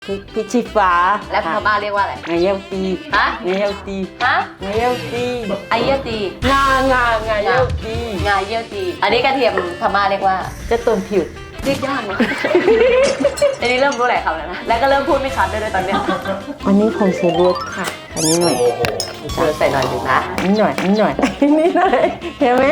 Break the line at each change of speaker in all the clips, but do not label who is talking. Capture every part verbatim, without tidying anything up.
พิชิฟ้า
แล้วพม่าเรียกว่าอะไร
ไงเย้าตี
ฮะ
ไงเย้าตี
ฮะ
ไงเย้าตี
ไอเยี่ยตี
งางาไงเย้าตี
งาเยี่ยตี อันนี้กระเทียมพม่าเรียกว่า
จะต้นผิว
เรียกยากนะ อันนี้เริ่มรู้หลายคำแล้วนะ แล้วก็เริ่มพูดไม่ชัดด้วยด้วยตอนเนี้ย
อันนี้ผงชูรสค่ะ อันนี้หน่อย
เชิญใส่หน่อยหนึ่งนะ
นิดหน่อยนิดหน่อย นิดหน่อยเห็นไหม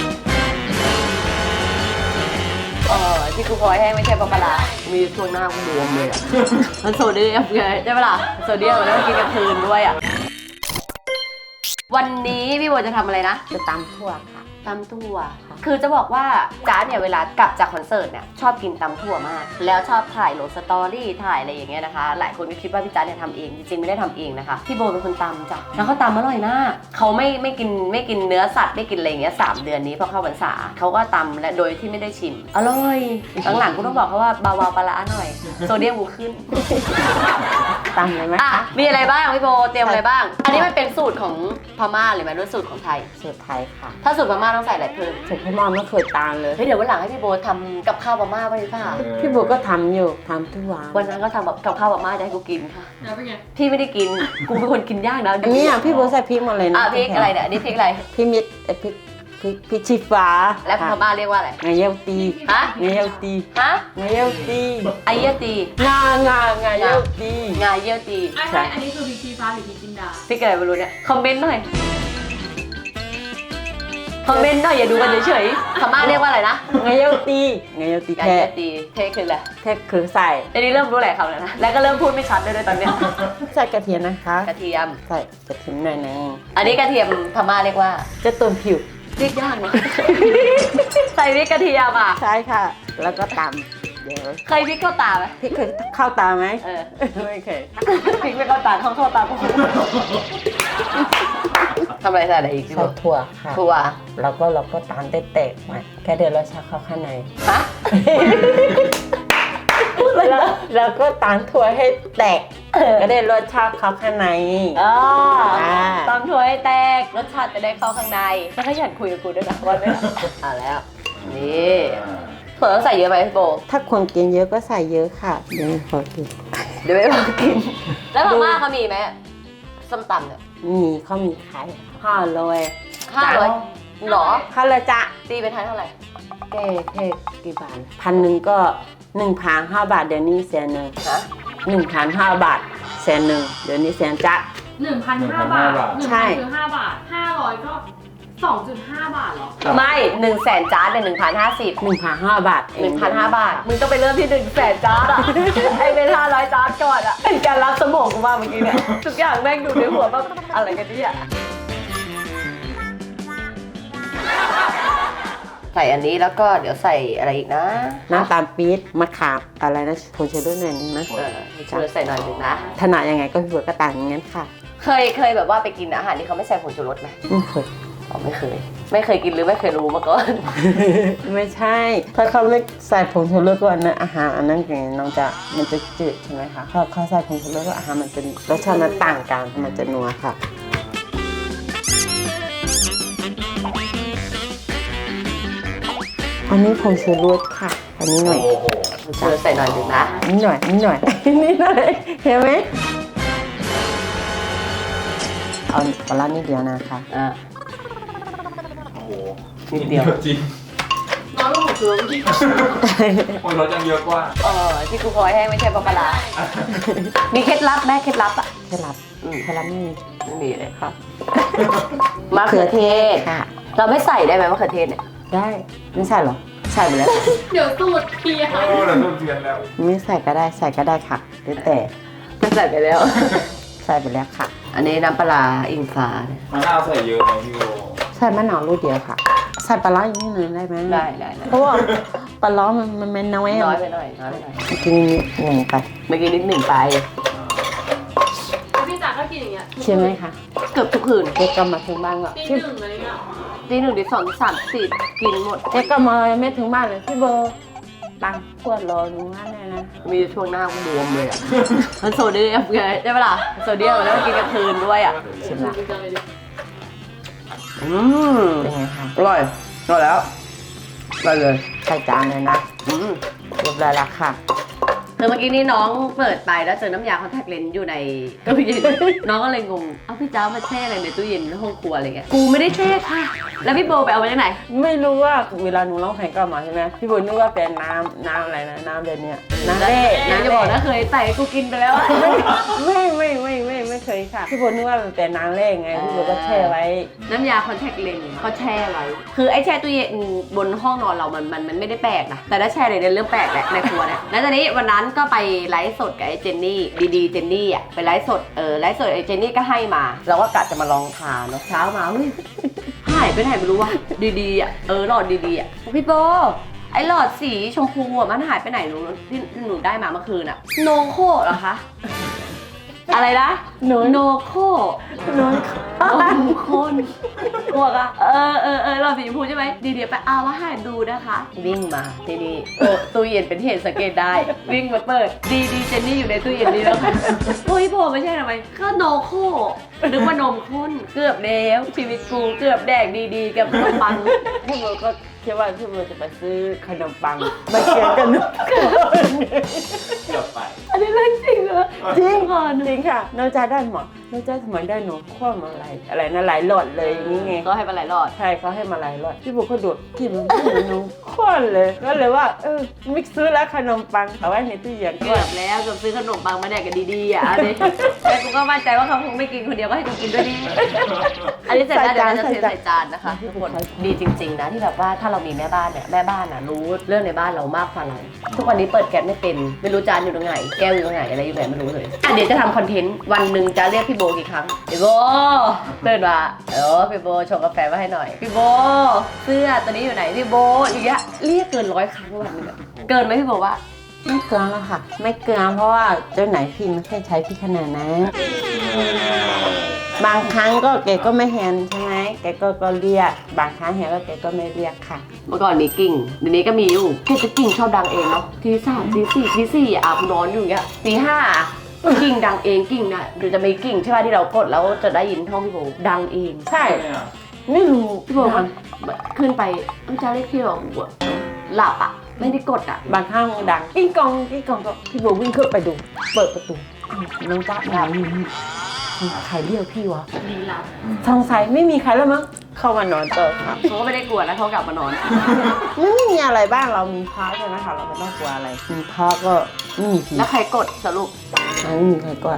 เออที่กูพลอยแห้งไม่ใช่ปลาปลาร้ามีช่วงหน้ากูบวมเลยอ่ะ มันโซเดียมไงใช่ปะล่ะโซเดียมแล้วกินกลางคืนด้วยอ่ะ วันนี้พี่โบจะทำอะไรนะ
จะตำทั่วค่ะ
ตำถั่วคือจะบอกว่าจ๊าเนี่ยเวลากลับจากคอนเสิร์ตเนี่ยชอบกินตำถั่วมาก แล้วชอบถ่ายลงสตอรี่ถ่ายอะไรอย่างเงี้ยนะคะ หลายคนก็คิดว่าพี่จ๊าเนี่ยทำเองจริงๆไม่ได้ทำเองนะคะพี่โบเป็นคนตำจ้ะแล้วเขาตำอร่อยมากเขาไม่ไม่กินไม่กินเนื้อสัตว์ไม่กินอะไรอย่างเงี้ยสามเดือนนี้พอเข้าพรรษาเขาก็ตำและโดยที่ไม่ได้ชิมอร่อยหลังๆกูต้องบอกเขาว่าเบาๆปลาร้าหน่อยโซเดียมกูขึ้น
ตำเลยไหม
อ่ะ
คะ
มีอะไรบ้างพี่โบเตรียมอะไรบ้าง อันนี้มันเป็นสูตรของพม่าหรือมันเป็นสูตรของไทย
สูตรไทยค่ะ
ถ้าสูตรพม่าต้องใส่อะไรเพิ่ม
สูตรพี่มอมไม่เคยตามเลย
เฮ้ยเดี๋ยววันหลังให้พี่โบทำกับข้าวพม่าไปดีป่ะ
พี่บัวก็ทำอยู่ทำทุกวัน
วันนั้นก็ทำแบบกับข้าวพม่าจะให้กูกินค่ะ
แล้วเป็นไง
พี่ไม่ได้กิน กูเป็นคนกินยากนะ
อันนี้อ่ะพี่บัวใส่พริกหมดเลยนะ
อ่ะพริกอะไรเนี่ยอันนี้พริกอะไร
พี่มิดเอ่อพริกพริกพริกชี้ฟ้า
แล้วพม่าเรียกว่าอะไร
ไงเย้าตี
ฮะ
ไงเย้าตี
ฮะ
ไงเย้าตี
ไอเยี่ยตี
งางาไงเย้าตี
งาเยี่ยตี
ไอ้
ใช่
ใช่อันนี้คือพริกชี้ฟ้าหรือพริกจินดา
พริกอะไรไม่รู้เนี่ย คอมเมนต์หน่อย คอมเมนต์หน่อยอย่าดูกันเฉยๆพม่าเรียกว่าอะไรนะ
ไงเย้าตีไงเย้าตี
งา
แค่
เยี่ยตีเทคืออะไร
แค่คือใส่
อันนี้เริ่มรู้หลายคำแล้วนะ แล้วก็เริ่มพูดไม่ชัดด้วยด้วยตอนเนี้ย
ใส่กระเทียมนะคะ
กระเทียม
ใส่กระเทียมหน่อยนึง
อันนี้กระเทียมพม่าเรียกว่า
จะต้นผิว
เรียกยากนะ ใส่พริกกระเทียมอ่ะ
ใช่ค่ะ แล้วก็ตำเดี๋ยว
เคยพริกเข้าตาไหม
พี่เคยเข้าตาไหม
เออ
ไม่เคย
พริกไม่เข้าตาเขาเข้าตากูทำอะไรใส่อะไรอีกพี่
ใส่
โบ
ถั่วค่ะ
ถั่ว
แล้วก็เราก็ตำได้แตกๆมาแค่เดี๋ยวเราชักเข้าข้างใน
ฮะ
แล้วเราก็ตำถั่วให้แตก ก็ได้รสชาติเข้าข้างใน
อ๋อ
อ่า
ตำถั่วให้แตกรสชาติจะได้เข้าข้างในแล้วก็อยากคุยกับกูด้วยนะว่าไม่อ่ะแล้ว นี่ถั่วต้องใส่เยอะไหมพี่โบ
ถ้าคนกินเยอะก็ใส่เยอะค่ะเดี๋ยวขอกิน
เดี๋ยวไม่พอกิน แล้วพม่าเขามีไหมส้มตำเนี่ย
มีเขามีขายห้าร้อย
ห้าร้อยหรอ
ห้าร้อยจ้ะ
ตีเป็นไทยเท่าไหร่
แค่แค่กี่บาทพันหนึ่งก็หนึ่งพันห้าบาทเดี๋ยวนี้แสนหนึ่ง
ฮะ
หนึ่งพันห้าบาทแสนหนึ่งเดี๋ยวนี้แสนจ้ะ
หนึ่งพันห้าบาทหนึ่ง
ใช่
พันคือห้าบาทห้าร้อยก็สองจุดห้าบาทเหรอ
ไม่หนึ่งแสนจานเป็นหนึ่งพันห้าสิบ
หนึ่งพันห้าบาท
หนึ่งพันห้าบาท มึงต้องไปเริ่มที่หนึ่งแสนจานอ่ะ ไอเป็นห้าร้อยจานก่อนอ่ะ เป็นการรับสมองกูมากเมื่อกี้เนี่ย ทุกอย่างแม่งอยู่ในหัวแบบอะไรกันเนี่ยใส่อันนี้แล้วก็เดี๋ยวใส่อะไรอีกนะ
น้ำตาลปี๊บมะขามอะไรนะผงชูรสหน่อยนึงนะ
เออเชื่อใส่หน่อยหนึงนะ
ถนัดยังไงก็พี่บัวก็ต่างอย่างนั้นค่ะ
เคยเคยแบบว่าไปกินอาหารที่เขาไม่ใส่ผงชูรสไหม
ไม่เคย
อ๋อไม่เคย ไม่เคยกินหรือไม่เคยรู้มาก่อน
ไม่ใช่ ถ้าเขาไม่ใส่ผงชูรสก็อันนั้นอาหารอันนั้นไงน้องจะมันจะจืดใช่ไหมคะถ้าเขาใส่ผงชูรสก็อาหารมันจะรสชาติมันต่างกันมันจะนัวค่ะอันนี้ผงชูรสค่ะ อันนี้หน่อย
เชื่อใส่หน่อยหนึงนะ
นิดหน่อยนิดหน่อย นิดหน่อยเห็นไหมเอาปลาร้านิดเดียวนะคะ
อ่า
โอ้โห
นิดเดียว
จริง
น้อยกว่าหกสิบเมื่อกี้
โอ้ยรถยังเยอะกว่า
เออที่กูพลอยแห้งไม่ใช่ปลาปลาร้ามีเคล็ดลับไหมเคล็ดลับอ่ะ
เคล็ดลับ
อืม
เคล็ดลับไม่มี
ไม่มีเลยครับมะเขือเทศ
ค่ะ
เราไม่ใส่ได้ไหมมะเขือเทศเนี่ย
ได้ไม่ใส่หรอ
ใส่ไปแล้ว
เดี๋ยวสูตรเปลี่ยน
โอ้เราต้องเรียนแล้ว
ไม่ใส่ก็ได้ใส่ก็ได้ค่ะหรือแต่
ไม่ใส่ไปแล้ว
ใส่ไปแล้วค่ะ
อันนี้น้ำปลาร้าอิงฟ้าเนี่ย
มะนาวใส่เยอะไหมพี่โบ
ใส่มะนาวลูกเดียวค่ะ ใส่ปลาร้าอีกนิดนึงได้ไหม
ได้ได้ได้
เพราะว่าปลาร้ามันมันมันน้อย
น้อย
อะ
ไปหน่อยน้อยไปหน่อย
กินนิดหนึ่งไป
เมื่อกี้นิดหนึ่งไป
พี่จ๋าก็กินอย่างเงี้ย
ใช่ไหมคะ
เกือบทุกคืน
เด็กก็มาถึงบ้านก็
ตี
พี่
หนึ่งอะไรเงี้ย
ตีหนึ่งตีสองตีสามตีสี่กินหมด
เด็กก็มาไม่ถึงบ้านเลยพี่เบอร์ตังขวดรอหนูว่าแน่นะ
มีช่วงหน้ากูบวมเลยอ่ะ มันโซเดียมไงใช่ปะล่ะโซเดียมแล้วกินกลางคืนด้วยอ่ะ
ใช่ไหม
จริงจังเลยดิ
อืม
เป็นไงคะ
อร่อยอร่อยแล้วอร่อยเลย
ใส่จานเลยนะ
อืม
เรียบร้อยแล้วค่ะ
คือเมื่อกี้นี้น้องเปิดไปแล้วเจอน้ำยาคอนแทคเลนส์อยู่ในตู้เย็น น้องก็เลยงง เอ้าพี่จ้ามาแช่อะไรในตู้เย็นห้องครัวอะไรเงี้ย กูไม่ได้แช่ค่ะ แล้วพี่โบไปเอามาจากไหน
ไม่รู้ว่าเวลาหนูร้องเพลงก็มาใช่ไหมพี่บุญนึกว่าเป็นน้ำน้ำอะไรนะน้ำเดือนเนี้ยน้ำเล่
น้ำ
น้ำ
จะ
เล่
บอกนะเคยใส่กูกินไปแล้ว
ไม่ไม่ไม่ไม่ไม่เคยค่ะพี่บุญนึกว่ามันเป็นน้ำเล่ไงพี่บุญก็แช่ไว้
น้ำยาคอนแทคเลนส์เขาแช่ไว้ คือไอ้แช่ตู้เย็นบนห้องนอนเรามันมันมันไม่ได้แปลกนะ แต่ถ้าแช่ในเรื่องแปลกแหละในครัวเนี่ย แล้วตอนนี้วันนั้นก็ไปไลฟ์สดกับไอ้เจนนี่ดีๆเจนนี่อ่ะไปไลฟ์สดเออไลฟ์สดไอ้เจนนี่ก็ให้มาเราก็กะจะมาลองทานเนาะเช้ามาเฮ้ยหายไปไหนไม่รู้ว่ะดีๆอ่ะเออหลอดดีๆอ่ะพี่โบไอ้หลอดสีชมพูอ่ะมันหายไปไหนหนูที่หนูได้มาเมื่อคืนอ่ะโนโคเหรอคะอะไรนะ
โน
โนโค
โน
นมข้นกลัวอะเออเออเออเราสีชมพูใช่ไหมดีเดี๋ยวไปเอามาให้ดูนะคะ วิ่งมาทีนี้โอ้ตู้เย็นเป็นเหตุสังเกตได้ วิ่งมาเปิด ดีดีเจนนี่อยู่ในตู้เย็นนี้แล้วค่ะโอ้ยโผล่ไม่ใช่ทำไมก็โนโคนึกว่านมข้นเกือบแล้วชีวิตกูเกือบแดกดีๆกับขนมปัง
พี่บุญก็คิดว่าพี่บุญจะไปซื้อขนมปังมาเคี่ยวกัน
เกือบไป
อันนี้เรื่องจริงเหรอ
จริง
ก่อน
จริงค่ะน้องจ้าได้หมดน้องจ้าทำไมได้หนูคว้ามาหลายอะไรนะหลายหลอดเลยอย่างนี้ไง
ก็ให้มาหลายรอด
ใช่เขาให้มาหลายรอดพี่บุญก็ดูดกินไม่เหมือนน้องคว้าเลยก็เลยว่าเออมิกซ์ซื้อแล้วขนมปังเอาไว้ในตู้เย็น
เกื
ก่อ
อน บแล้วเกือบซื้อขนมปังมาแดกกันดีๆอ่ะอันนี้แต่กูก็มั่นใจว่าเขาคงไม่กินคนเดียวก็ให้กูกินด้วยนี่อันนี้เสร็จแล้วเดี๋ยวเราจะเทใส่จานนะคะทุกคนดีจริงๆนะที่แบบว่าถ้าเรามีแม่บ้านเนี่ยแม่บ้านอ่ะรู้เรื่องในบ้านเรามากกว่าเราทุกวันนี้เปิดแก๊สไม่เป็นไม่รู้จานอยู่ตรงไหนแก้วอยู่ตรงไหนอะไรอยู่ไหนไม่รู้เลยอ่ะเดี๋ยวจะทำคอนเทนต์วันหนึ่งจะเรียกพี่โบกี่ครั้งพี่โบเตือนมาเออพี่โบชงกาแฟมาให้หน่อยพี่โบเสื้อตัวนี้อยู่ไหนพี่โบอย่างเงี้ยเรียกเกินร้อยครั้งวันหนึงอะเกินไหมพี่โบว่า
ไม่เกลือแล้วค่ะ ไม่เกลือเพราะว่าเจ้าไหนพี่ไม่เคยใช้พี่ขนาดนั้นบางครั้งก็แกก็ไม่แฮนใช่ไหมแกก็ก็เรียกบางครั้งแฮนก็แกก็ไม่เรียกค่ะ
เมื่อก่อนมีกิ่งเดี๋ยวนี้ก็มีอยู่คือจะกิ่งชอบดังเองเนาะทีสามทีสี่ทีสี่อาบนอนอยู่อย่างเงี้ยตีห้ากิ่งดังเองกิ่งน่ะเดี๋ยวจะมีกิ่งใช่ป่ะที่เรากดแล้วจะได้ยินท้องพี่โบดังเอง
ใช่ไม่รู้
พี่โบมันขึ้นไปเอ้าจะเรียกพี่โบหลับอ่ะไม่ได้กดอ่ะ
บางครั้งมันดังกิ้งกองกิ้งกองก็พี่โบวิ่งขึ้นไปดู เปิดประตูอ้าวน้องจ๊ะดาวอยู่นี่ใครเรียกพี่วะ
ดีลับ
สงสัยไม่มีใครแล้วมั้งเข้ามานอนเติมครับ
เขาก็ไม่ได้กลัวแล้วเขากลับมานอน
ไม่มีอะไรบ้างเรามีพระใช่ไหมคะเราไม่ต้องกลัวอะไรมีพระก็ไม่มีผี
แล้วใครกดสรุป
ไม่มีใครกลัว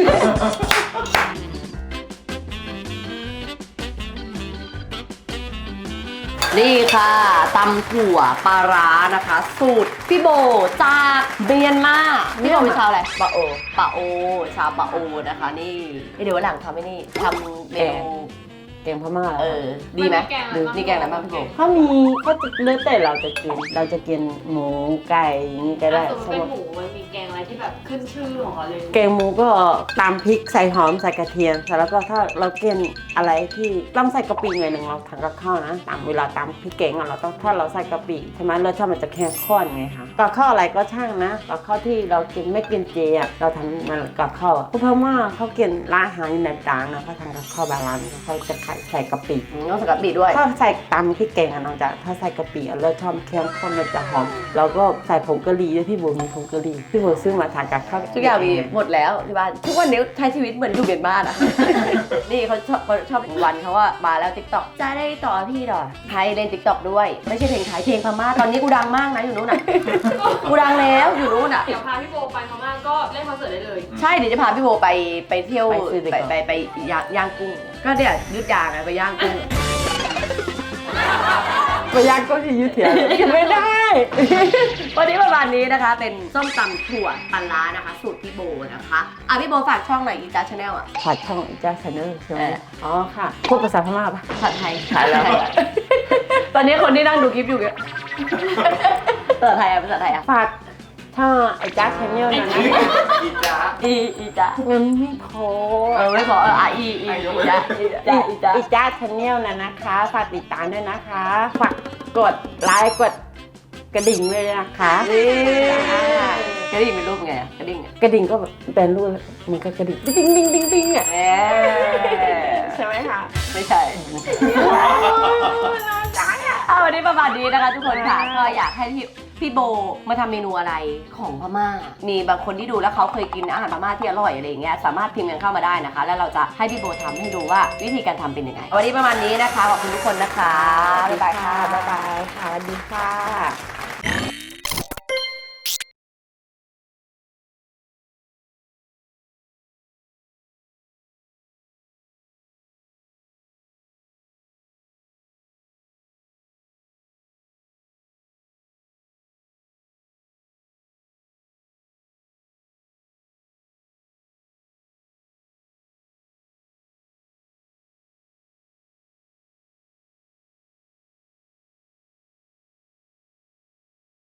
นี่ค่ะตำถั่วปลาร้านะคะ สูตรพี่โบจากเมียนมาพี่โบเป็นชาวอะไร
ปะโอ
ปะโอ ชาวปะโอนะคะ นี่เดี๋ยววันหลังทำให้นี่ทำเมนู
แกงพม่า
เออ ดีไหม
นแกงอะไรบ้าง
นี่แกงอะไรบ้างพี่โบ
ถ้ามีก็จะเลือกแต่เราจะกิน เราจะกินหมูไก่อย่างนี้ก็ได้
ถ้าสมมติ
ใช่
เป็น
ไหม
หมูมันมีแกงอะไรที่แบบขึ้นชื่อของเขาเลย
แกงหมูก็ตามพริกใส่หอมใส่กระเทียมเสร็จแล้วก็ถ้าเรากินอะไรที่ต้องใส่กะปิหน่อยหนึ่งเราทำกับข้าวนะตามเวลาตามพริกแกงอะเราต้องถ้าเราใส่กะปิใช่ไหมรสชาติมันจะแค่ข้นไงคะกับข้าวอะไรก็ช่างนะกับข้าวที่เรากินไม่กินเจอะเราทำมันกับข้าวอะเพราะว่าเขากินร้านอาหารในต่างๆนะเขาทำกับข้าวบางร้านเขาจะใส่กะปิ
อืมต้องใส่กะปิด้วย
ถ้าใส่ตำพริกแกงอะน้องจะถ้าใส่กะปิอะรสชาติเข้มข้นมันจะหอมแล้วก็ใส่ผงกะหรี่ด้วยพี่โบมีผงกะหรี่พี่โบซื้อมาทานกับข้าว
ทุกอย่างมีหมดแล้วที่บ้านทุกวันนี้ใช้ชีวิตเหมือนอยู่เบียนบ้านอ่ะ นี่เขาชอบเขาชอบวันเขาว่ามาแล้วติ๊กต็อกจะได้ต่อพี่หรอไทยเล่นติ๊กต็อกด้วย ไม่ใช่เพลงไทยเพลงพม่าตอนนี้กูดังมากนะอยู่นู้นอ่ะ กูดังแล้วอยู่นู้นอ่ะ
เดี๋ยวพาพี่โบไปพม่าก็เล่นคอนเสิร์ตได้เลย
ใช่เดี๋ยวจะพาพี่โบไปไปเที่ยว
ไปซื้อดีก
ไป
ว่า
ไปไปย่างย่างกุ้งก็เดี๋ยวยืดยางไงไปย่างกุ้ง
ไปย่างก็ที่ยืดเถียงกินไม่ได้
วันนี้ประมาณนี้นะคะ เป็นส้มตำถั่วปลาร้านะคะ สูตรพี่โบนะคะอ่ะพี่โบฝากช่องหน่อยอีจ้าชาแนลอ่ะ
ผัดช่องจ้าชาแนลใช่ไหม
เออ
อ๋อค่ะพูดภาษาพม่าปะ
ผัดไทย
ขายแล้ว
ตอนนี้คนที่นั่งดูคลิปอยู่เนี่ยภาษาไทยอ่ะภาษาไทยอ่ะ
ฝากช่องไอ้จ้าชาแนลนะนะ
อีจ้า
อีอีจ้า
เงินไม่พอ
เออไม่พอเอออ่ะอีอีอีจ้าอีจ้าอีจ้า
ไอ้จ้าชาแนลนะนะคะฝากติดตามด้วยนะคะฝากกดไลค์กดกระดิ่งเลยนะคะ
นี่กระดิ่งเป็นรูปไงอ่ะกระดิ่งอ่ะ
กระดิ่งก็แบบเป็นรูปมันก็กระดิ่งดิ้งดิ้งดิ้งดิ้งอ่ะ
แหม
ใช่ไหมคะ
ไม่ใช่เอาวันนี้ประมาณนี้นะคะทุกคนค่ะก็อยากให้พี่พี่โบมาทำเมนูอะไรของพม่า มีบางคนที่ดูแล้วเขาเคยกินอาหารพม่าที่อร่อยอะไรอย่างเงี้ยสามารถพิมพ์กันเข้ามาได้นะคะ แล้วเราจะให้พี่โบทำให้ดูว่าวิธีการทำเป็นยังไงวันนี้ประมาณนี้นะคะขอบคุณทุกคนนะคะบ๊ายบายค่ะ
บ๊ายบายค่ะสวัสดีค่ะ